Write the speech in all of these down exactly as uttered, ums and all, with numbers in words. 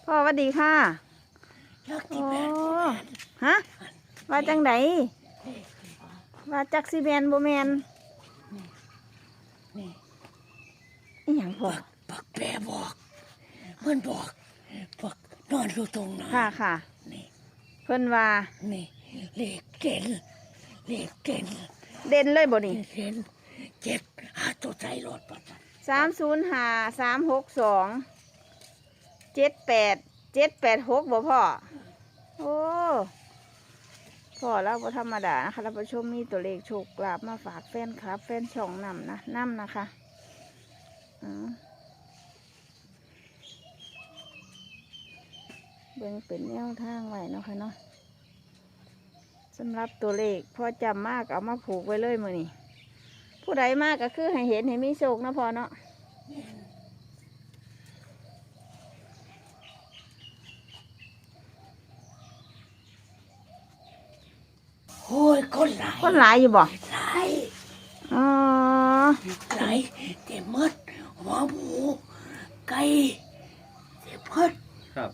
พ่อสวัสดีค่ะโอ้ฮะว่าจังไดว่าจักซีแมนโบแมนอีหยังพ่อปักแปรบอกเพื่อนบอกปักนอนอยู่ตรงนั้นค่ะค่ะนี่เพิ่นว่านี่เลขเก่นเลขเก่นเด่นเลยบ่นี่เก่นเจ็ดหาตัวใจรถปัดสามศูนย์ห้าสามหกสองเจ็ดแปดเจ็ดแปดหกบ่พ่อโอ้พ่อเราบ่ธรรมดานะคะท่านผู้ชมมีตัวเลขโชคลาภมาฝากแฟนคลับ แฟนช่องนำนะนำนะคะอือเบิ่งเป็นแนวทางไว้เนาะค่ะเนาะสำหรับตัวเลขพอจำมากเอามาผูกไว้เลยมือนี่ผู้ใดมากก็คือให้เห็นให้มีโชคนะพอเนาะโอ้ยคนหลายคนหลายอยู่บ่หลายอ๋อหลายเต็มมดหัวหมูไก่เต็มมดครับ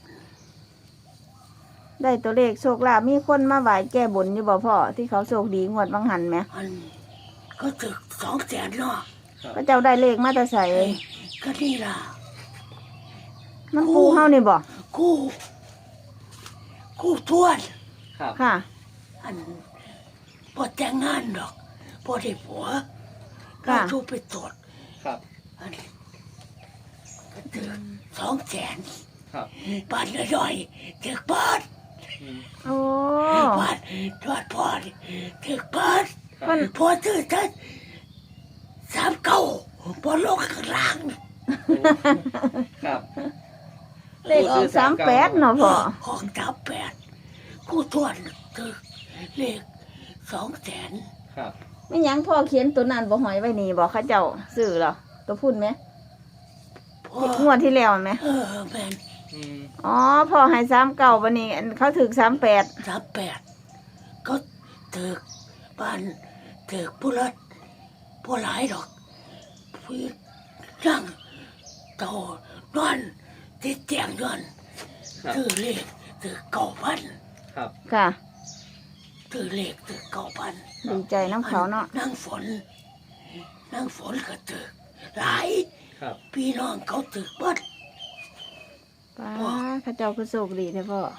ได้ตัวเลขโชคลาภมีคนมาไหว้แก้บนอยู่บ่พ่อที่เขาโชคดีงวดบางหันไหมอันก็ถึกสองแสนเนาะก็เจ้าได้เลขมาแต่ใส่ก็นี่ล่ะมันกูเฮานี่บ่กูกูทวนครับค่ะอันพอแต่งงานดอกพอได้ผัวก็ชูไปตรวจครับอันก็ถึงสองแสนครับบ้านน้อยๆถึกบ้านโอ้บ้านทอดพอถึกบ้านพอถือท่านสามเก้าพอลงข้างล่างครับเลขออกสามแปดเนาะพ่อออกสามแปดกูทวนถึกเลขสองแสนครับไม่ยังพ่อเขียนตัวนั้นบ่หอยไว้นี่บ่เขาเจ้าซื้อเหรอตัวพุ่นไหมงวดที่แล้วไหมเออแม่นอ๋อพ่อให้สามเก้าวันนี้เขาถึกสามแปดสามแปดก็ถึกบ้านถึกผู้รัดผู้หลายดอกผู้นั่งโตนอนติดเตียงนอนถือเลขถือเก้าพันครับค่ะถือเลขถือเก้าพันดีใจน้ำเขาเนาะนั่งฝนนั่งฝนก็ถือหลายพี่น้องเขาถือบัดป้าข้าเจ้าคือโชคดีเนี่ยพ่อ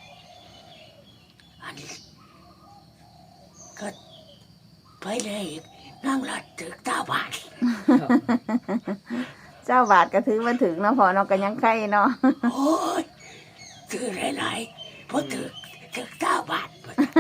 อันนี้ก็ไปเลยนั่งรัดถือตาบาดเจ้าบาทก็ถือมาถึงเนาะพ่อเนาะก็ยังไข่เนาะโอ้ยถือหลายๆเพราะถือถือตาบาด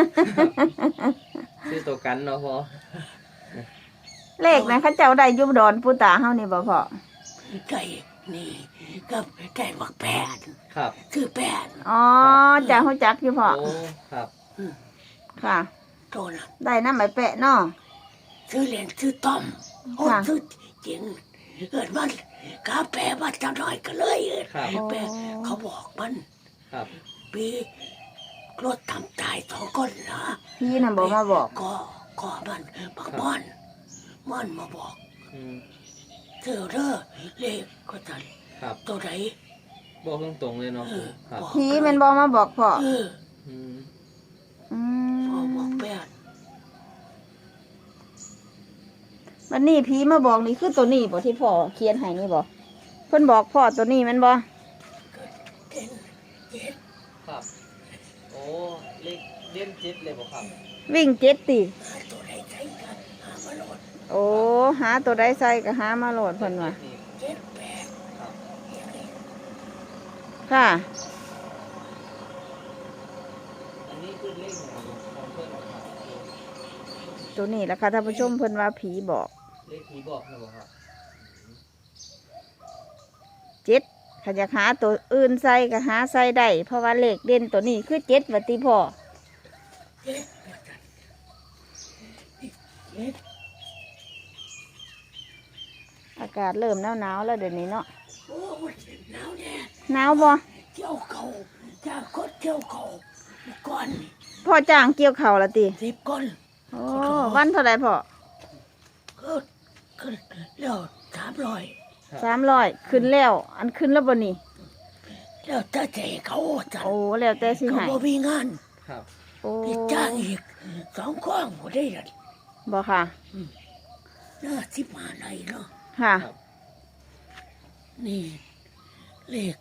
ซื้อตัวกันเนาะพ่อเลขนะข้าเจ้าได้ยุบดอนปูตาเฮานี่บ่พ่อได้นี่ก็ได้บักแปดครับคือแปดอ๋อจ้าเขาจักอยู่พ่อโอ้ครับค่ะโตนะได้น้ำใบแปะเนาะซื้อเหรียญซื้อต้อมโอ้ซื้อจริงเกิดมันกาแฟมาจังหน่อยก็เลยแปะเขาบอกมันครับปีรถทำตายสองคนนะพี่น่ะบอกมาบอกก็ก็มันบักม่อนม่อนมาบอกเธอเด้อเลขก็ทันตัวไหนบอกตรงๆเลยเนาะพี่มันบอกมาบอกพ่อพ่อบอกแปดวันนี้พี่มาบอกนี่คือตัวนี้บอกที่พ่อเขียนให้นี่บอกเพิ่นบอกพ่อตัวนี้มันบอกครับโอ้เลขเล่นเจ็ดเลยบอกครับวิ่งเจ็ดตีโอ้หาตัวใดใส่ก็หามาโหลดเพิ่นว่าค่ะอันนี้คือเลขของเพิ่นตัวนี้แหละค่ะท่านผู้ชมเพิ่นว่าผีบอกเลขผีบอกนะบอกครับเจ็ดถ้าอยากหาตัวอื่นใส่ก็หาใส่ได้เพราะว่าเลขเด่นตัวนี้คือเจ็ดวัติพ่ออากาศเริ่มหนาวหนาวแล้วเดี๋ยวนี้เนาะหนาวแน่หนาวบ่เกี่ยวเขาจ้างคนเกี่ยวเขาก่อนพ่อจ้างเกี่ยวเขาละตีสิบก้อนโอ้วันเท่าไรพ่อก็ขึ้นแล้วสามร้อยสามร้อยขึ้นแล้วอันขึ้นแล้วบ่นี่แล้วถ้าใจเขาจัดโอ้แล้วแต่สิเขาให้บ่มีงานครับโอ้ไปจ้างอีกสองข้องบ่ได้เลยบ่ค่ะน่าสิบห้าไรเนาะค่ะครับนี่เลข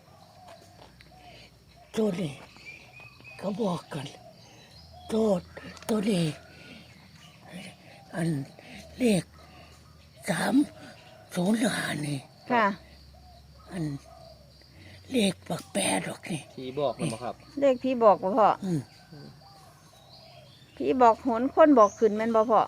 ตัวนี้เขาบอกกันตัวตัวนี้อันเลขสามศูนย์ห้านี่ค่ะอันเลขปักแปดดอกนี่ที่บอกมันบ่ครับเลขพี่บอกบ่พ่ออืมพี่บอกหนคนบอกขึ้นแม่นบ่พ่อ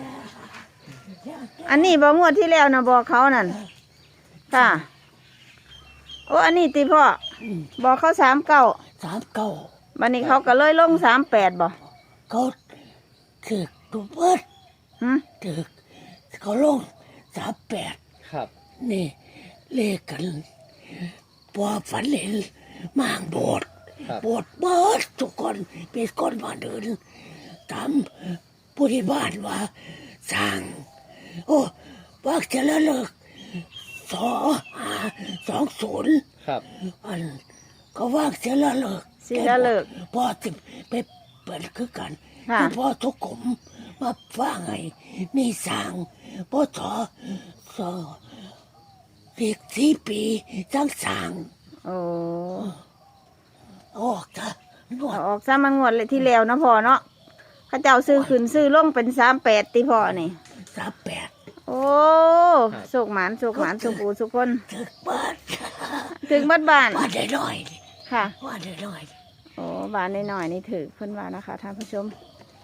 อันนี้บ่งวดที่แล้วนะบอกเขานั่นค่ะโอ้อันนี้ติพ่ออืมบอกเขาสามเก้าสามเก้าวันนี้เขาก็เลยลงสามแปดบ่เขาถึกตัวเบิดหึถึกเขาลงสามแปดครับนี่เลขกันพอฝันเห็นมางโบสถ์ครับโบสถ์เบิดทุกคนเป็นคนบ้านเดินถามผู้ที่บ้านว่าสั่งโอ้วักจะละเลิกสอหาสองศูนย์ครับอันก็ว่างเสียละเลิกสิละเลิกพอสิไปเปิดคือกันค่ะคือพอทุกกลมมาฟังไงมีสั่งพอสอสอเรียกสี่ปีจังสั่งโอ้ออกจ้ะนวดเอาออกซะมางวดเลยที่แล้วเนาะพ่อเนาะเขาเจ้าซื้อขึ้นซื้อลงเป็นสามแปดติพ่อนี่สามแปดโอ้สุกหมานสุกหมานสุกปูสุกคนถึกบ้านถึงบ้านบ้านว่าได้น้อยนี่ค่ะว่าได้น้อยโอ้บ้านน้อยๆนี่ถือเพิ่นว่านะคะท่านผู้ชม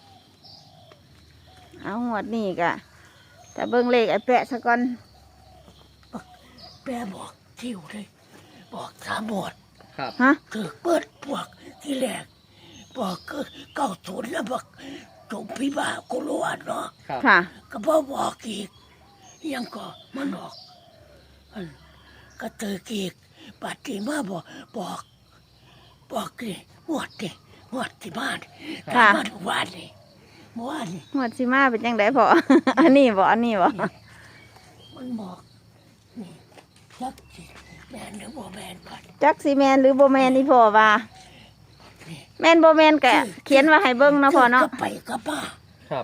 เอาหวดนี่กะแต่เบิ่งเลขไอ้แปะซะก่อนแปรบอกทิวเลยบอกสามหมดครับฮะถึกเปิดพวกที่แรกบอกก็เก้าศูนย์แล้วบอกจงพิบ่ากุลวดเนาะครับค่ะก็บอบอกอีกยังก็มันบอกอันก็เตอกีกปัดที่มาบอกบอกบอกดิงวดดิงวดที่บ้านค่ะมาทุกวันนี่เมื่อวานนี่หวดสิมาเป็นจังไดพ่อ อันนี้บ่อันนี้บ่มันบอกนี่ยักสิแมนหรือบ่แมนก่อนจักสิแมนหรือบ่แมนนี่พ่อว่า แมนบ่แมนกะเขียนว่าให้เบิ่งเนาะพ่อเนาะก็ไปก็ป้าครับ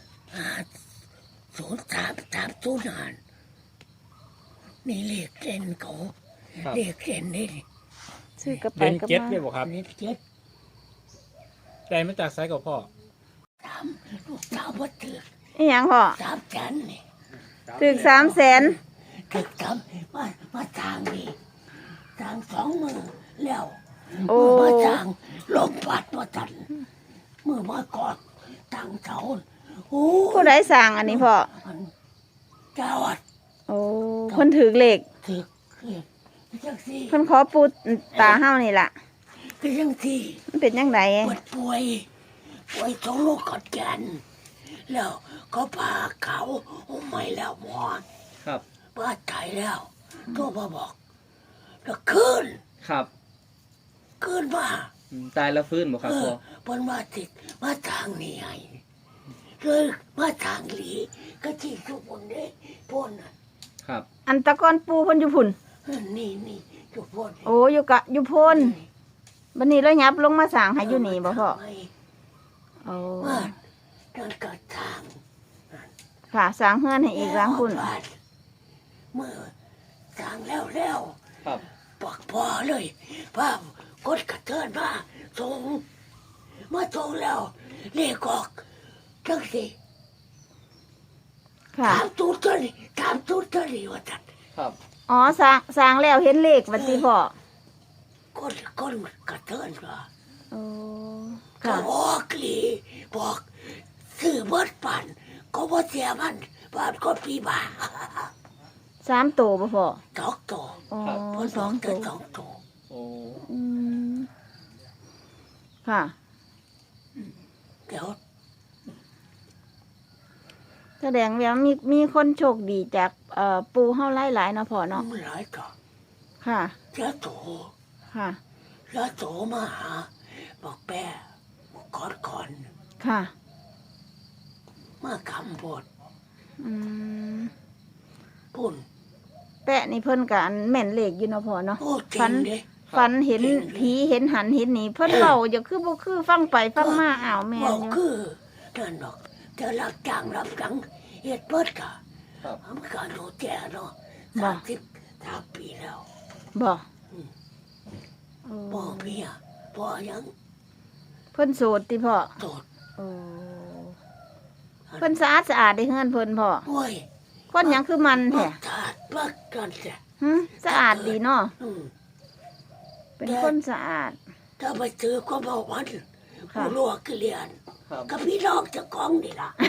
ศูนย์สามสามศูนย์หานนี่เลขเด่นเขาครับเลขเด่นนี่ซื้อกระไปเด่นกระเจ็ดมาเลยบอกครับเลขเจ็ดได้มาจากไซกับพ่อสามลูกสาวบ่ถืออีหยังพ่อสามแสนนี่ถึกสามแสนถึกทำมามาทางนี่ทางสองมือแล้วโอ้มือมาทางลมพัดมาตันมือมากอดทางเสาโอ้ผู้ใดสั่งอันนี้พ่อมันเจ้าวัดโอ้เพิ่นถือเลขถึกคือจังสี่เพิ่นขอปูตาเฮานี่ล่ะคือจังสี่มันเป็นจังไดปวดป่วยป่วยท้องโรคกอดแกนแล้วก็พาเขาโอ้ไม่แล้วหมอนครับบ้าตายแล้วโทรมาบอกแล้วคืนครับคืนมาอืมตายแล้วฟื้นบ่ครับเอพ่ออเพิ่นมาติดมาทางนี้ไงเลยมาทางหลีก็ที่ทุกคนได้พ่นน่ะครับอันตะกอนปูเพิ่นอยู่พุ่นเออนี่นี่ทุกคนโอ้อยู่กะอยู่พุ่นบัดนี้แล้วยับลงมาสั่งให้อยู่นี่บ่พ่อทำไมโอ้ว่านั่นก็ทางค่ะสั่งเฮือนให้อีกหล้างพุ่นแล้วบ้านเมื่อทางแล้วแล้วครับปักพอเลยภาพกดกระเทินมาส่งมาส่งแล้วเลขออกจังสิค่ะถามตูดตัวนี้ถามตูดตัวนี้ว่าจัดครับอ๋อสั่งสั่งแล้วเห็นเลขบัดนี้พ่อกดกดกระเทินมาโอ้ก็ค่ะบอกหลีบอกซื้อเบิดปั่นก็บ่เสียมันบาทก็ปีบาสามตัวบ่พ่อสองตัวอ๋อเพิ่นสบออง กแต่ตัวสองตัวโอ้อืมค่ะเดี๋ยวแสดงว่ามีมีคนโชคดีจากเอ่อปูเฮาหลายๆเนาะพ่อเนาะมันหลายตัวค่ะเจ้าโตค่ะแล้วโตมาหาบอกแป้ก่อนก่อนค่ะมาคำบทอืมปุ่นแปะนี่เพิ่นกอันแม่นเลขอยู่เนาะพ่อเนาะโอ้จริฟังนเด้ฝันเห็นผีเห็นหันเห็นหนีเพิ่นเว้าอย่าคือบ่คือฟังไปฟังมาอ้าวแม่นบอกอยู่คือนั่นดอกจะรับจ้างรับจังเฮ็ดเบิดกะครับทำการดูแจเนาะสามสิบสามปีแล้วบ่อืมโอ้พ่อเมียพ่อยังเพิ่นโสดติพ่อโสดโอ้เพิ่นสะอาดสะอาดได้เฮือนเพิ่นพ่อโอ้ยคนหยังคือมันบัแท้กขาดบักกันแท้หึสะอาดดีเนาะอืมเป็นคนสะอาดถ้าไปซื้อก็บอกวันค่ะผู้ลวกเกลียนครับกับพี่น้องเจะกองนี่ล่ะ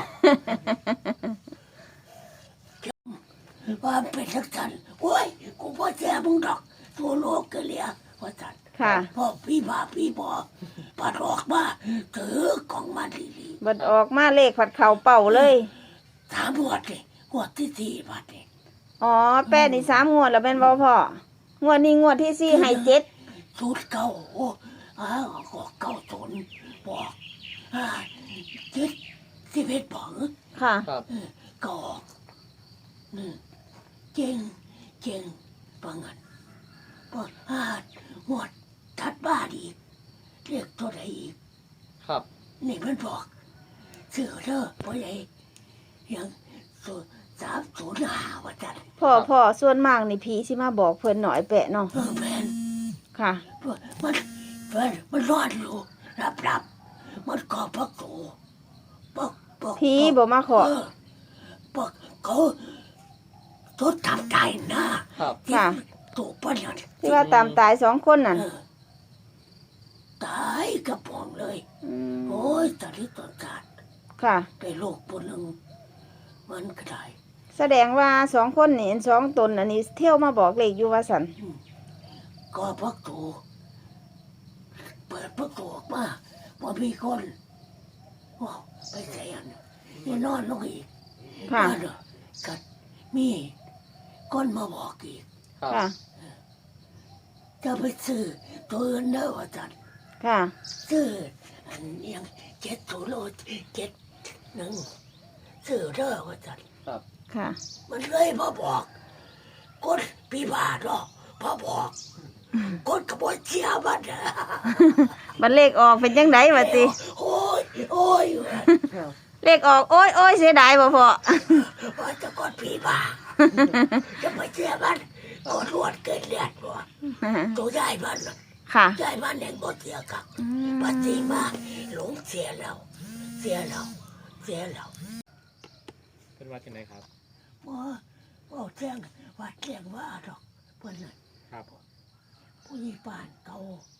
ว่าเป็นทักษันโอ้ยกูพ่อแจ้มึงดอกตัวโลกเกลียว่าสันค่ะพ่อพี่บาพี่บอปัดออกมาถือกล่องมาดีบัดออกมาเลขผัดเข่าเป่าเลยๆสามหัวดเลยหัวดที่สี่บาทนี่อ๋อแป้นี่สามงวดแล้วเป็นบ่พ่องวดนี้งวดที่สี่ให้เจ็ดสูตรเก่าโอ้อ้าวออกเก่าสนบอกอ่าเจ็ดสิบเอ็ดบอกค่ะครับเออก็ออกอืมเก่งเก่งปังงันบอกอ่าหัวดทัดบ้านอีกเรียกตัวใดอีกครับนี่มันบอกเสือเด้อพ่อใหญ่ยังศูนย์สามศูนย์ห้าว่าจันพ่อพ่อส่วนมากนี่ผีสิมาบอกเพิ่นหน่อยแปะเนาะเออแมนค่ะมันมันมันรอดอยู่รับรับมันกอพักโตปอกปอกผีบ่มาขอเออปอกเขาทดทำใจนะครับ ที่ค่ะถูกปัญญาที่ว่าตามตายสองคนนั่นเออตายกระป๋องเลยอืมโอ้ยตอนนี้ตอนการค่ะได้โลกปนหนึ่งมันก็ได้แสดงว่าสองคนนี่สองตนอันนี้เที่ยวมาบอกเลขอยู่ว่าสันก็พักโตเปิดพักโตออกมาพอมีคนว้าวไปแสนนี่นอนลงอีกค่ะนั่นน่ะกัดมีก้นมาบอกอีกครับค่ะจะไปซื้อตัวอื่นเด้อว่าจันค่ะซื้ออันยังเจ็ดศูนย์โลเจ็ดหนึ่งซื้อเด้อว่าจันครับค่ะมันเลยมาบอกก้นปีบาทหรอกพอบอกก้นกระบวนเชียมันบัดเลขออกเป็นจังไดวะติโอ้ยโอ้ยเลขออกโอ้ยโอ้ยเสียดายบ่พ่อว่าจะก้นปีบาจะไปเชียมันก้นรวดเกิดเลือดบ่ตัวใหญ่มันน่ะค่ะใหญ่มันแห่งบ่เสียกับอืมปฏิมาหลงเสียแล้วเสียแล้วเสียแล้วเป็นว่าที่ไหนครับว่าว่าแจ้งว่าแจ้งว่าดอกเพิ่นน่ะครับผู้ใหญ่บ้านเก่า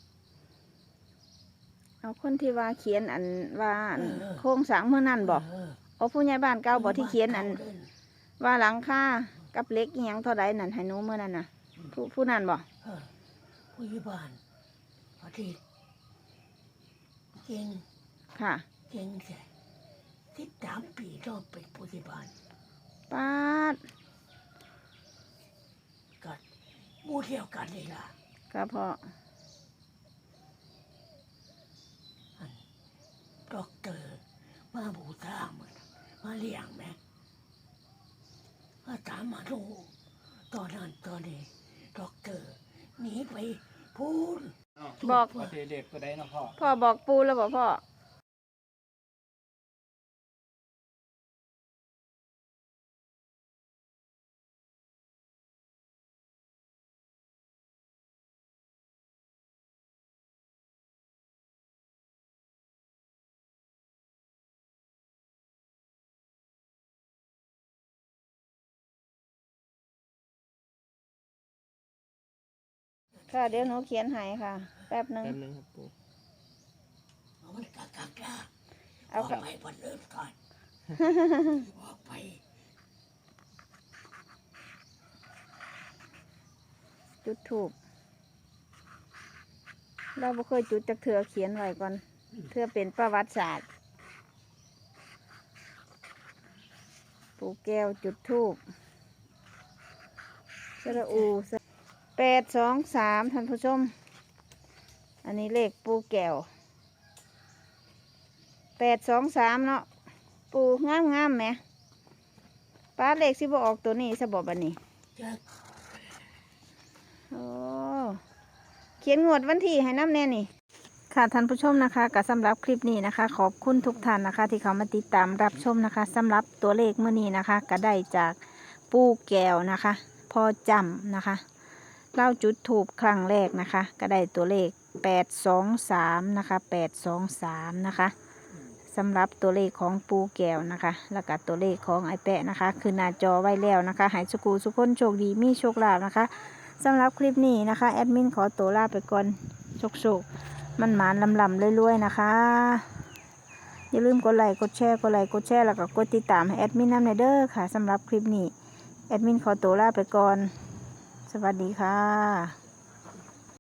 เอาคนที่ว่าเขียนอันว่าอันเออโครงสร้างเมื่อนั้นบอกเออเอาผู้ใหญ่บ้านเก่าบอกที่เขียนอันเด้ว่าหลังคากับเหล็กอีหยังเท่าใดนั่นให้หนูเมื่อนั้นน่ะ ผู้ผู้นั้นบอกเออผู้ใหญ่บ้านพอดีเก่งค่ะเก่งแท้สิบสามปีก็เป็นผู้ใหญ่บ้านป้าดก็หมู่เดียวกันนี่ล่ะก็พอด็อกเตอร์มาบูชามันมาเลี้ยงแม่มาตามมาดูตอนนั้นตอนนี้ด็อกเตอร์หนีไปพูนบอกว่าที่เด็กตัวใดเนาะพ่อพ่อบอกปูแล้วบอกพ่อค่ะเดี๋ยวหนูเขียนให้ค่ะ แป๊บหนึงแป๊บนึงครับปู่เอามันกักกักละเอาอค่ะอกไปบนเริ่มก่อนออกไปจุดถูกเราบ่เคยจุดจากเถือเขียนไว้ก่อนเถือเป็นประวัติศาสตร์ปูแก้วจุดทูบสระอูแปดสองสามท่านผู้ชม อันนี้เลขปูแก้วแปดสองสามเนาะปูงามงามๆไหมป้าเลขสิบออกตัวนี้สบอบันนี้จะโอ้เขียนงวดวันที่ให้น้ำแน่นี่ค่ะท่านผู้ชมนะคะก็สำหรับคลิปนี้นะคะ ขอบคุณทุกท่านนะคะ ที่เขามาติดตามรับชมนะคะสำหรับตัวเลขเมื่อนี้นะคะ ก็ได้จากปูแก้วนะคะพอจำนะคะเล่าจุดถูกครั้งแรกนะคะ ก็ได้ตัวเลขแปดสองสามนะคะแปดสองสามนะคะสำหรับตัวเลขของปูแก้วนะคะแล้วก็ตัวเลขของไอแปะนะคะ คือหน้าจอไว้แล้วนะคะหายสกูสุกคนโชคดีมีโชคลาภนะคะสำหรับคลิปนี้นะคะแอดมินขอตัวลาไปก่อนโชคโชคมันหมานลำลำรวยๆนะคะอย่าลืมกดไลค์กดแชร์กดไลค์กดแชร์แล้วก็กดติดตามให้แอดมินนำในเด้อค่ะสำหรับคลิปนี้แอดมินขอตัวลาไปก่อนสวัสดีค่ะ